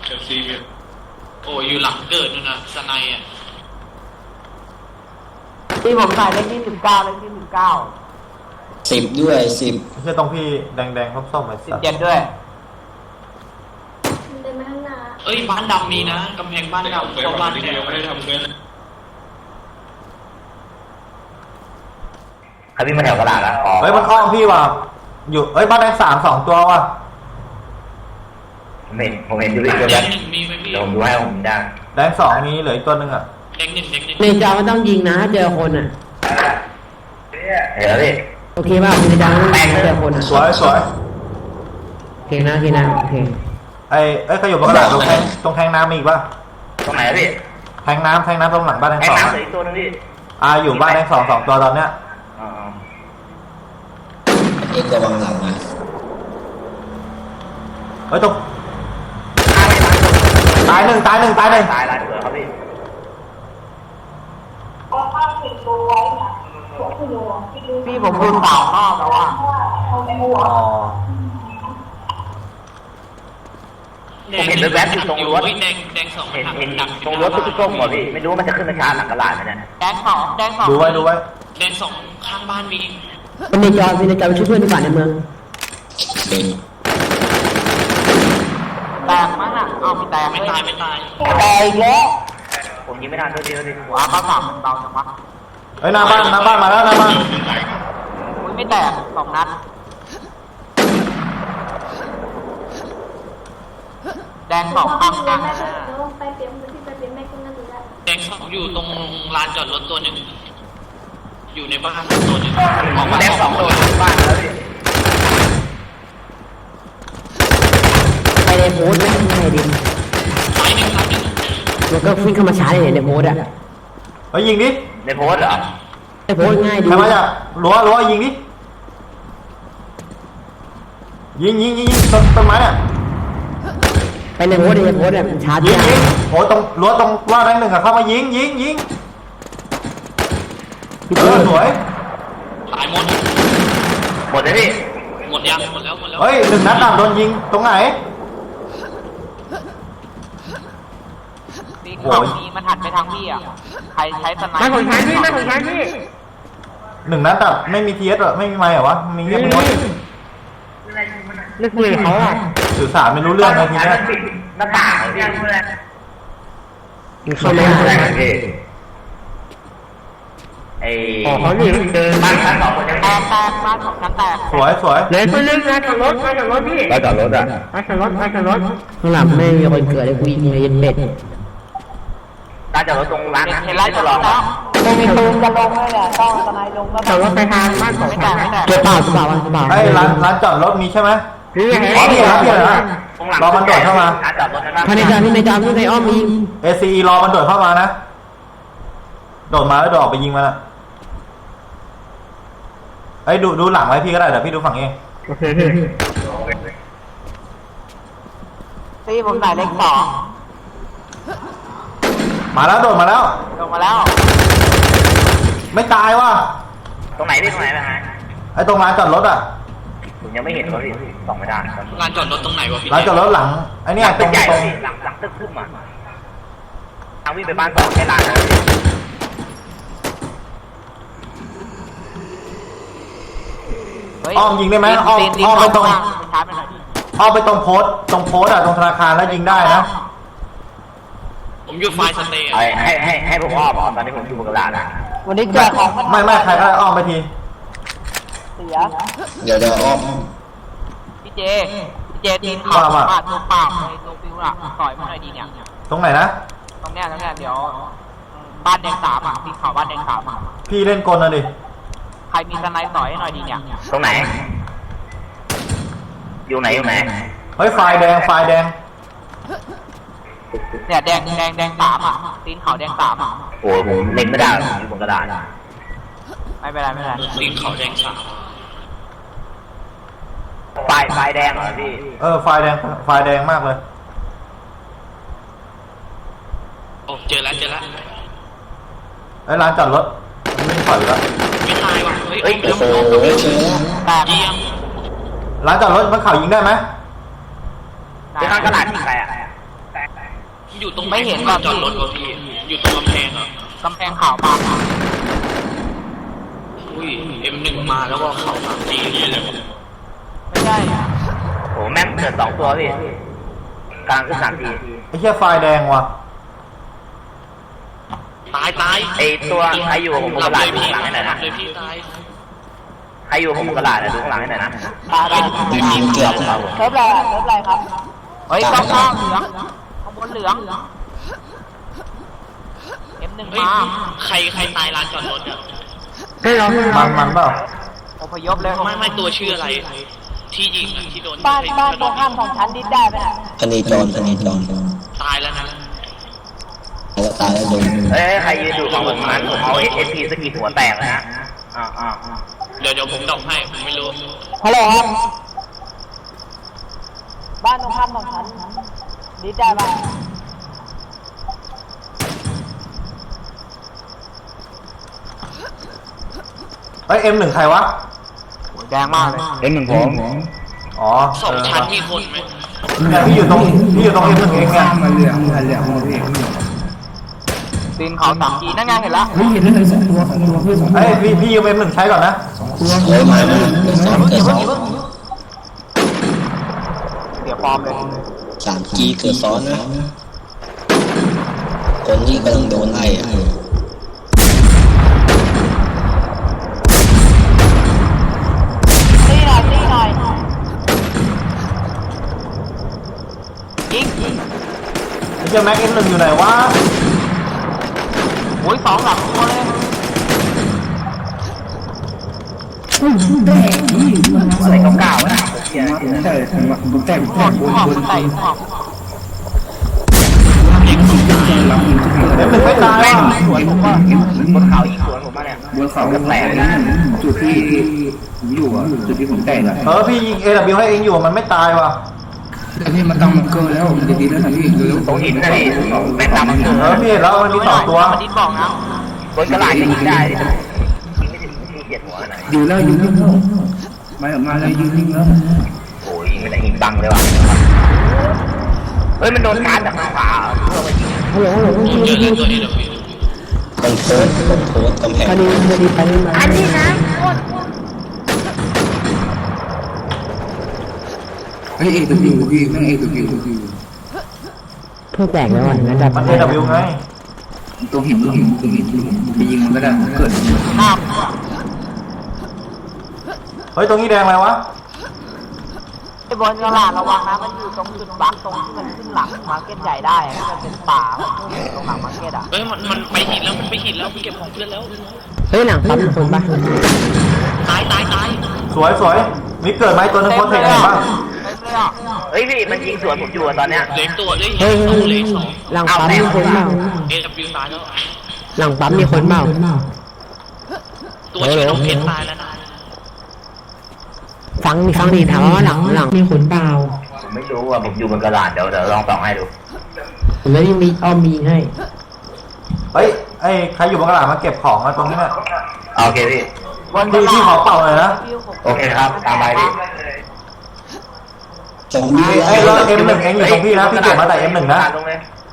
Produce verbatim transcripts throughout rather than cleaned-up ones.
เชลซีโอ้อยู่หลังเกิดนู่นนะสไนอ่ะที่ผมใส่เลขที่สิบเก้าเลขที่สิบเก้าสิบด้วยสิบไม่ใช่ตรงพี่แดงแดงส้มๆไปสิบเจ็ดด้วยเดินมาข้างหน้าเอ้ยบ้านดำมีนะกำแพงบ้านดำเพราะบ้านแดงไม่ได้ทำเพื่อนเขาวิ่งมาแถวกระดาษแล้วเฮ้ยมันอ้อมพี่ว่ะอยู่เฮ้ยบ้านแดงสามสองตัวว่ะผมเห็นผมเห็นอยู่ด้วยแดกันงหนึ่งมีไหมพี่เดี๋ยวผมดูให้ผมได้แดงสองนี้เหลืออีกตัวหนึ่งอ่ะแดงหนึ่งแดงหนึ่งในจอมันต้องยิงนะถ้าเจอคนอ่ะเดี๋ยวดิโอเคป่ะในจอมันต้องเจอคนอ่ะสวยสวยโอเคนะโอเคนะโอเคไอ้เอ้ยเขาอยู่บนกระดาษตรงแทงตรงแทงน้ำมีอีกป่ะตรงไหนพี่แทงน้ำแทงน้ำตรงหลังบ้านแดงสองแทงน้ำเหลืออีกตัวนึงพี่อ่าอยู่บ้านแดงสองสองตัวตอนเนี้ยเอ็กระวังหลังนะเฮ้ยตรงตายหนึ่งตายหนึ่งตายหนึ่งตายตายเสือครับพี่พี่ผมดูสาวรอบแล้วอ่ะอ๋อผมเห็นแวบๆอยู่ตรงรถแดงแดงสองเห็นเห็นตรงรถตุ๊กตุ๊กหมดพี่ไม่รู้มันจะขึ้นมาชาร์จหลังกระดาษไหมเนี่ยแดงสองแดงสองดูไว้ดูไว้แดงสองข้างบ้านมีเป็นในจอเป็นในจอไปช่วยเพื่อนดีกว่าในเมืองเป็นแตกมั้งอ่ะเอาไม่แตกไม่ตายไม่ตายแตกอีกแล้วผมยิงไม่ทันตัวเดียวดิหัวเขาสามเบาจังวะเฮ้ยหน้าบ้านหน้าบ้านมาแล้วหน้าบ้านอุ้ยไม่แตกสองนัดแดงสองข้างข้างไปเตรียมที่ไปเตรียมแม่กินนั่นดีแล้วแดงสองอยู่ตรงลานจอดรถตัวหนึ่งอยู่ในบ้านตัวหนึ่งออกมาแดงสองตัวบ้านแล้วพี่ไปในโพสต์ไม่ใช่ดิไปหนึ่งครับหนึ่งมันก็วิ่งเข้ามาช้าเลยในโพสต์อ่ะเฮ้ยยิงดิในโพสเหรอในโพสต์ง่ายดีใครมาจากรั้วรั้วยิงดิยิงยิงยิงยิงต้นต้นไม้อ่ะไปในโพสต์ในโพสต์เนี่ยมันช้ายิงยิงโอ้ตรงรั้วตรงว่าแดงหนึ่งอะเข้ามายิงยิงยิงเออสวยตายหมดหมดเลยพี่หมดยังหมดแล้วหมดแล้วเฮ้ยหนึ่งนัดดับโดนยิงตรงไหนมีเขามีมันหันไปทางพี่อ่ะใครใช้สไนเปอร์ไม่ของฉันพี่ไม่ของฉันพี่หนึ่งนัดดับไม่มีเทียสหรอไม่มีไม้เหรอวะมีเงียบหมดเลือกคุยเขาอ่ะสื่อสารไม่รู้เรื่องเลยทีนี้หน้าต่างพี่เขาไม่ได้พี่ไอ้เขาอยู่เดินบ้านชั้นสองคนยังแตกแตกบ้านของชั้นแตกสวยสวยเลยคนนึงนะจอดรถมาจอดรถพี่มาจอดรถอ่ะมาจอดรถมาจอดรถข้างหลังไม่มีคนเกิดเลยกูยิงเลยเบ็ดร้านจอดรถตรงร้านนะเห็นร้านจอดรถแล้วตรงมีตูนจะลงเลยแหละต้องสไนลงก็จอดรถไปทางบ้านของไม่แตกไม่แตกเก็บเปล่าเก็บเปล่าเก็บเปล่าไอ้ร้านร้านจอดรถมีใช่ไหมพี่อ๋อพี่ครับพี่เหรอรอมันโดดเข้ามาภายในจอที่ในจอที่ในอ้อมยิงเอซีรอมันโดดเข้ามานะโดดมาแล้วโดดออกไปยิงมันอะไอ้ดูดูหลังไว้พี่ก็ได้เดี๋ยวพี่ดูฝั่งเองโอเคพี่ตีผมใส่เลขสองมาแล้วโดดมาแล้วโดดมาแล้วไม่ตายว่ะตรงไหนพี่ตรงไหนนะฮะไอ้ตรงร้านจอดรถอ่ะผมยังไม่เห็นเขาพี่ส่องไม่ได้ลานจอดรถตรงไหนวะพี่ร้านจอดรถหลังไอ้นี่ตรงตรงหลังหลังตึกขึ้นมาทางวิ่งไปบ้านสองแค่ลานนะอ้อมยิงได้ไหมอ้อมอ้อมไปตรงอ้อมไปตรงโพสตรงโพสอะตรงธนาคารแล้วยิงได้นะผมอยู่ไฟสเตย์ให้ให้ให้ให้ผมอ้อมอ้อมตอนนี้ผมอยู่บนกระดาษนะวันนี้เจอของไม่ไม่ใครก็อ้อมไปทีเสียเดี๋ยวเดี๋ยวอ้อมพี่เจพี่เจทีมข่าวปาดตัวปากในตัวฟิวล่ะต่อยมาหน่อยดีเนี่ยตรงไหนนะตรงเนี้ยตรงเนี้ยเดี๋ยวบ้านแดงสามอ่ะทีมข่าวบ้านแดงสามอ่ะพี่เล่นกลนะดิใครมีสไนป์ต่อยให้หน่อยดีเนี่ยตรงไหนอยู่ไหนอยู่ไหนเฮ้ยไฟแดงไฟแดงเนี่ยแดงแดงแดงสามอ่ะตีนเขาแดงสามอ่ะโอ้ผมเล็งไม่ได้อยู่บนกระดาษไม่เป็นไรไม่เป็นไรตีนเขาแดงสามไฟไฟแดงเหรอพี่เออไฟแดงไฟแดงมากเลยโอ้เจอแล้วเจอแล้วไอ้ร้านจอดรถไม่ปล่อยแล้วไม่ตายว่ะเฮ้ยโอ้โหเชียวแตกร้านจอดรถมันเข่ายิงได้ไหมที่ข้างกระดาษยิงใครอ่ะอยู่ตรงไม่เห็นจอดรถวะพี่อยู่ตรงกำแพงเหรอกำแพงขาวปาอุ้ยเอ็มหนึ่งมาแล้วก็เข้าสามจีนี่เลยไม่ใช่โอ้แม่งเกิดสองตัวพี่กลางคือสามทีไอ้เหี้ยไฟแดงว่ะตายตายไอตัวใครอยู่ผมกระดาษดูข้างหลังให้หน่อยนะเลยพี่ตายใครอยู่ผมกระดาษดูข้างหลังให้หน่อยนะได้ยิงยิงเกือบแล้วเทปอะไรอะเทปอะไรครับเฮ้ยต้องข้างเหลืองข้างบนเหลืองเอ็มหนึ่งเฮ้ยมาใครใครตายลานจอดรถอ่ะมันมันเปล่าอพยพเลยไม่ไม่ตัวชื่ออะไร ที่ยิงอะที่โดนบ้านบ้านตโดรงข้ามของฉันดิ้นได้ไหมน่ะพนีจรพนีจรตายแล้วนะแล้วตายแล้วโดนเอ้ยใครยืนอยู่ฝั่งผมนั้นผมเอาเอสพีสกิดหัวแตกเลยนะอ่าอ่าเดี๋ยวเดี๋ยวผมดอกให้ผมไม่รู้ฮัลโหลครับบ้านตรงข้ามของฉันดิ้นได้ปะเฮ้ยเอ็มหนึ่งใครวะแดงมากเลยเอ็มหนึ่งผมอ๋อสองชั้นมีคนไหมเนี่ยพี่อยู่ตรงพี่อยู่ตรงเอ็มหนึ่งเองเนี่ยมาเหลืองมาเหลืองมาพี่ตีนเขาสามทีนั่นไงเห็นแล้วเฮ้ยเห็นแล้วสองตัวสองตัวเพื่อนสองตัวเฮ้ยพี่พี่ยืมเอ็มหนึ่งใช้ก่อนนะเฮ้ยมามาเกิดซ้อนเกิดซ้อนเสียฟอร์มเลยสามจีเกิดซ้อนนะคนที่กำลังโดนไล่อะตีหน่อยตีหน่อยยิงไอ้เจ้าแม็กเอ็มหนึ่งอยู่ไหนวะโอ้ยสองหลังตัวเลยใส่เก่าๆนะผมแต่ผมแต่ผมแต่บนบนบนเอ็มหนึ่งไม่ตายแม่งว่ะสวนผมว่าบนเขายิงสวนผมมาเนี่ยบนเขาแตกจุดที่ผมอยู่อ่ะจุดที่ผมแตกอ่ะเออพี่ยิงเอวให้เองอยู่มันไม่ตายว่ะแต่พี่มันต้องมันเกินแล้วมันจะดีแล้วนะพี่เร็วตรงหินนะพี่แม่งตามมันเออพี่เห็นแล้วมันมีสองตัวมันดิ้นบอกนะบนกระดาษยังยิงได้ยิงไม่ถึงที่เจ็ดหัวไหนอยู่แล้วอยู่นิ่งแล้วมามาเลยอยู่นิ่งแล้วโอ้ยยิงไม่ได้หินบังเลยว่ะเฮ้ยมันโดนการจากทางขวาเพื่อมายิงฮัลโหลฮัลโหลผมเจอเรื่องตัวเอวคนโพสคนโพสกำแพงพอดีพอดีไปนี่มาอันนี้นะเฮ้ยเอตัววิวพี่แม่งเอตัววิวตัววิวเพื่อแตกแล้ววันนั้นจะมันเอวไงตัวหินตัวหินตัวหินไปยิงมันก็ได้เกิดข้ามเฮ้ยตรงนี้แดงอะไรวะไอ้บนกระดาษระวังนะมันอยู่ตรงจุดบักตรงที่มันขึ้นหลังมาร์เก็ตใหญ่ได้ที่มันเป็นป่าตรงหลังมาร์เก็ตอ่ะเฮ้ยมันมันไปหินแล้วมันไปหินแล้วเก็บของเพื่อนแล้วเฮ้ยหลังปั๊มมีคนปะตายตายตายสวยสวยมีเกิดไหมตัวนึงโคตรเท่เห็นป่ะเฮ้ยพี่มันยิงสวนผมอยู่ตอนเนี้ยเหลือตัวเลยเฮ้ยสเฮ้องยเหลือสองหลังปั๊มมีคนเปล่าเอวตายแล้วหลังปั๊มมีคนเปล่าตัวชื่อน้องเพชรตายแล้วนะฟังมีฟังดีถามว่าหลังหลังมีคนเปล่าผมไม่รู้อ่ะผมอยู่บนกระดาษเดี๋ยวเดี๋ยวลองส่องให้ดูแล้วยังมีอ้อมมีให้เฮ้ยไอ้ใครอยู่บนกระดาษมาเก็บของมาตรงนี้เนี่ยโอเคพี่พี่พี่ขอเป่าหน่อยนะโอเคครับตามไปพี่จงบี้ไอ้ยรถเอ็มหนึ่งเองอยู่ตรงพี่นะพี่เก็บมาแต่เอ็มหนึ่งนะลงเลย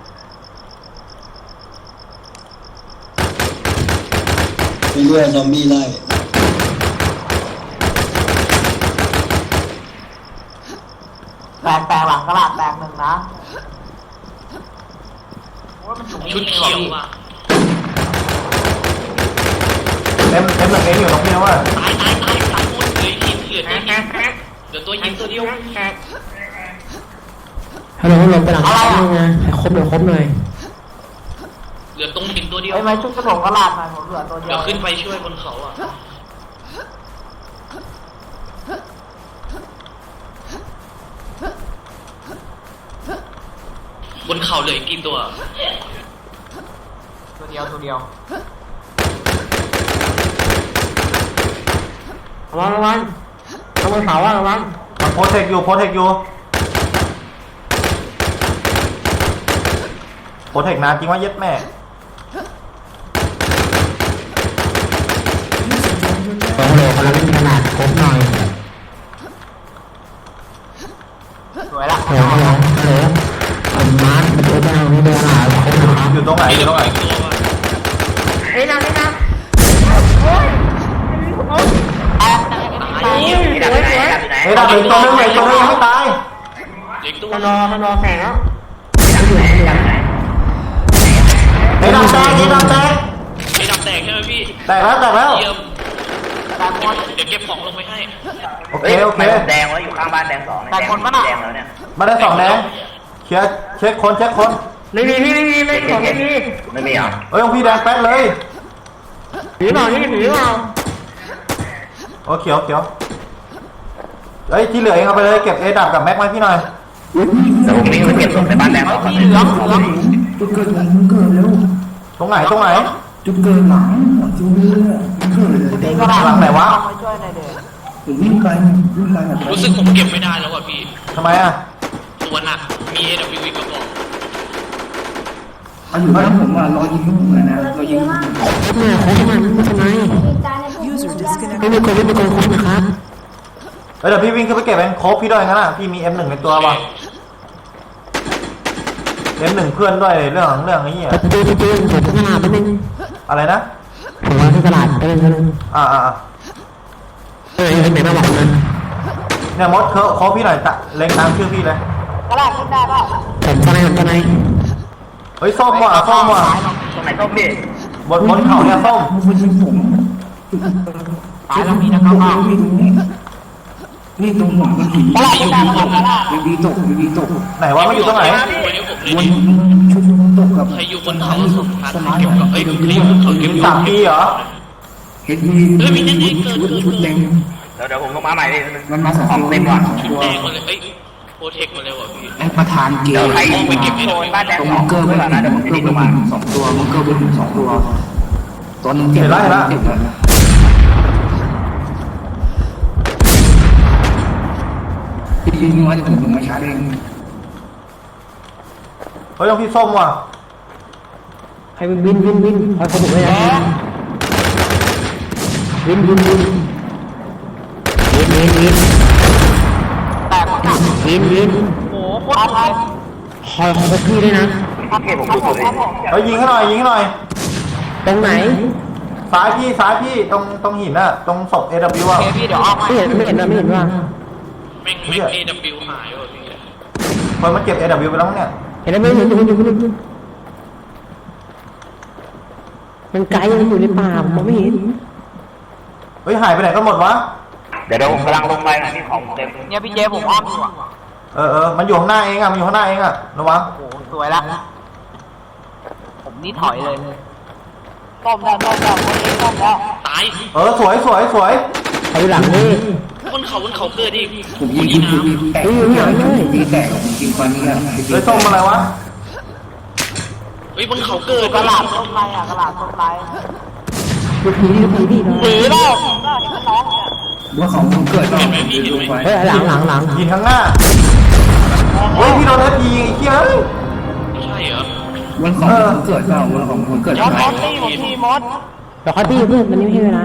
มีเรื่อยซอมบี้ไล่แปลงแปลงหลังกระดาษแปลงหนึ่งนะชุดเขียวอ่ะเอ็มเอ็มหนึ่งเองอยู่ตรงพี่นะว่าตายตายตายตายหมดเหลือหินเหลือตัวหินเหลือตัวหินตัวเดียวฮัลโหลฮัลโหลไปหลังปั๊มเลยนะให้ครบเลยครบเลยเหลือตรงหินตัวเดียวไอ้ไม้ชุดกระโดดกระดาษหน่อยผมเหลือตัวเดียเดี๋วยวขึ้นไปช่วยบนเขาอ่ะบนเขาเหลืออีกกี่ตัวตัวเดียวตัวเดียวระวังระวังระวังเสาอะระวังมันโพสเทคอยู่โพสเทคอยู่โพสเทคนานจริงว่าเย็ดแม่ฮัลโหลกำลังมีขนาดครบหน่อยสวยละฮัลโหลฮัลโหลฮัลโหลเอามาร์คมาดูดาวนี่ด้วยตรงไหนอยู่ตรงไหนตัวว่ะเฮ้ยนะเฮ้ยนะตายสวยสวยเฮ้ยดาบเหลือตัวนึงเหลือตัวนึงยังไม่ตายเล็กตัวมันรอมันรอแข่งแล้วเฮ้ยดาบแตกเฮ้ยดาบแตกไอ้ดำแตกใช่ไหมพี่แตกแล้วแตกแล้วเยี่ยมเดี๋ยวเก็บของลงไปให้โอเคโอเคแดงแล้วอยู่ข้างบ้านแดงสองแต่คนมันอ่ะแดงแล้วเนี่ยมาได้สองแดงเคลียร์เช็คคนเช็คคนไม่มีพี่ไม่มีไม่มีไม่มีไม่มีเหรอเฮ้ยของพี่แดงแป๊ดเลยหนีเปล่านี่หนีเปล่าโอ้เขียวเขียวเฮ้ยที่เหลือเองเอาไปเลยเก็บเอดับกับแม็กไว้พี่หน่อยเดี๋ยวผมวิ่งไปเก็บศพในบ้านแดงสองพี่เหลืองเหลืองจุดเกิดหลังเกิดแล้วตรงไหนตรงไหนจุดเกิดหลังจุดเกิดเกิดเลยนี่ก็ได้หลังไหนวะไปช่วยหน่อยเด้อผมวิ่งไปวิ่งไปแบบรู้สึกผมเก็บไม่ได้แล้วว่ะพี่ทำไมอ่ะตัวหนักมี เอ ดับเบิลยู อีกกระบอกเอาอยู่บ้านผมอ่ะรอยิงลูกเลยนะรอยิงครบมาครบมาไม่ทำไมมีจานในพวกนี้ไม่มีคนไม่มีคนครบนะครับเฮ้ยเดี๋ยวพี่วิ่งขึ้นไปเก็บเองโคบพี่ด้วยงั้นอ่ะพี่มี เอ็ม หนึ่ง ในตัวป่ะ เอ็ม หนึ่ง เพื่อนด้วยเรื่องของเรื่องไอ้เหี้ยประตูประตูผมที่ตลาดไปนึงอะไรนะผมว่าที่ตลาดไปนึงอ่าอ่าอ่าเออไหนมาบอกมันเนี่ยมดเคโคบพี่หน่อยตะเล็งตามชื่อพี่เลยกระดาษขึ้นได้ป่ะผมทนายผมทนายเฮ้ยส้มว่ะส้มว่ะตรงไหนต้มพี่บนบนเขาเนี่ยส้มมันยิงผมตายแล้วมีนะครับว่านี่ตรงนี้นี่ตรงหัวมันหินกระดาษขึ้นได้ป่ะกระดาษบีบีตกบีบีตกไหนวะมันอยู่ตรงไหนวันนี้ผมเลยวนดิชุดตกกับใครอยู่บนเขาสุดท้ายเก็บกับเอ้ยใครอยู่บนเขาเก็บอยู่สามปีเหรอเห็นมีชุดชุดแดงเดี๋ยวเดี๋ยวผมลงมาใหม่ดิมันมาสองของตัวเต็มก่อนตัวแดงมาเลยเอ้ยโปรเทคมาเลยว่ะพี่ไอ้ประธานเกเดี๋ยวย์ใครไปเก็บโซนบ้านแดงตรงสอมังงเกอร์ไว้ไม่ก่อนนะเดี๋ยวผมจะดิ้นลงมาสองตัวมังเกอร์เป็นสองตัวตัวนึงเจ็บเจ็บแล้วพี่ยิงมาจะผมลงมาช้าเองเฮ้ยต้องพี่ส้มว่ะใครวินวินวินวินคอยขบุกเลยนะวินวินวินวินวินวินแต่หมดอ่ะวินวินโอ้โหโคตรเลยคอยขบพี่ด้วยนะเก็บผมดูสุดเลยเฮ้ยยิงให้หน่อยยิงให้หน่อยตรงไหนซ้ายพี่ซ้ายพี่ตรงตรงหินอ่ะตรงศพ เอ ดับเบิลยู อ่ะโอเคพี่เดี๋ยวเอามาไม่เห็นไม่เห็นนะไม่เห็นว่าแม่งแม่ง เอ ดับเบิลยู หายว่ะพี่คนมันเก็บ เอ ดับเบิลยู ไปแล้วมั้งเนี่ยเห็นแล้วไม่เห็นอยู่อยู่อยู่มันไกลมันอยู่ในป่าผมมองไม่เห็นเฮ้ยหายไปไหนกันหมดวะเดี๋ยวเดี๋ยวผมกำลังลงไปนะนี่ของเต็มเนี่ยพี่เจผมอ้อมอยู่อ่ะเออเออมันอยู่ข้างหน้าเองอ่ะมันอยู่ข้างหน้าเองอ่ะระวังโอ้โหสวยละผมนี่ถอยเลยต้มแล้วต้มแล้วคนนี้ต้มแล้วตายเออสวยสวยสวยไปหลังนี่บนเขาบนเขาเกิดอีกผมยิงยิงยิงแตกยิงแตกยิงฟันนี่แหละเฮ้ยส้มอะไรวะเฮ้ยบนเขาเกิดกระดาษต้มไรอ่ะกระดาษต้มไรดูผีดูผีดิหนีแล้วก็เห็นมันน้องเนี่ยว่าของผมเกิดก็ดูไปเฮ้ยหลังหลังหลังยิงข้างหน้าเฮ้ยพี่โดนเอฟยิงไอ้เหี้ยเอ้ยไม่ใช่เหรอวันของผมเกิดก็วันของผมเกิดมดมดตีผมทีมดเดี๋ยวเขาตีเพื่อนมันไม่ให้เวลา